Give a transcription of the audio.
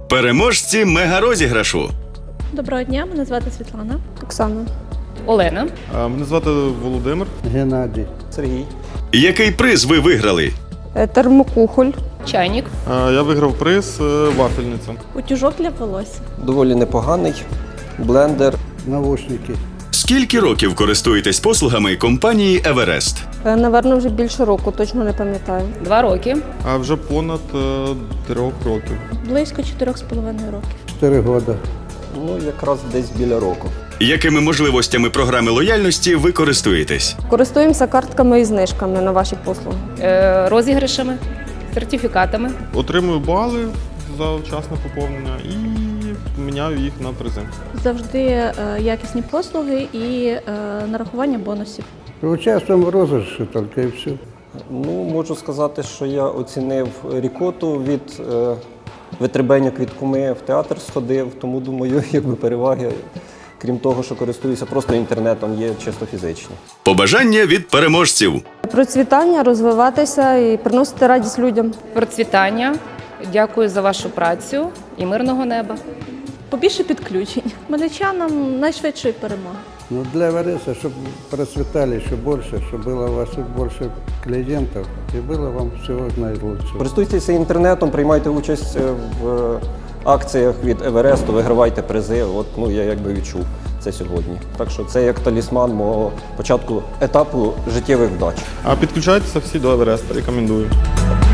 Переможці мегарозіграшу. Доброго дня, мене звати Світлана. Оксана. Олена. Мене звати Володимир. Геннадій. Сергій. Який приз ви виграли? Термокухоль. Чайник. Я виграв приз вафельниця. Утюжок для волосся. Доволі непоганий. Блендер. Навушники. Скільки років користуєтесь послугами компанії «Еверест»? Наверно, вже більше року, точно не пам'ятаю. 2 роки. А вже понад 3 років. Близько 4,5 років. 4 роки. Ну, якраз десь біля року. Якими можливостями програми лояльності ви користуєтесь? Користуємося картками і знижками на ваші послуги. Розіграшами, сертифікатами. Отримую бали за вчасне поповнення і міняю їх на призи. Завжди якісні послуги і нарахування бонусів. Участвуємо в розіграші тільки і все. Ну, можу сказати, що я оцінив рікоту від витребеньок від куми, в театр сходив, тому думаю, якби переваги, крім того, що користуюся просто інтернетом, є чисто фізичні. Побажання від переможців. Процвітання, розвиватися і приносити радість людям. Процвітання. Дякую за вашу працю і мирного неба. Побільше підключень. Хмельничанам найшвидшої перемоги. Ну, для Эвереста, чтобы процветали еще больше, чтобы было у вас больше клиентов и было вам всего наилучшего. Користуйтеся інтернетом, приймайте участь в акціях від Евересту, вигравайте призи. От, ну, я якби відчув це сьогодні. Так що це як талісман мого початку етапу життєвих вдач. А підключайтеся всі до Евереста, рекомендую.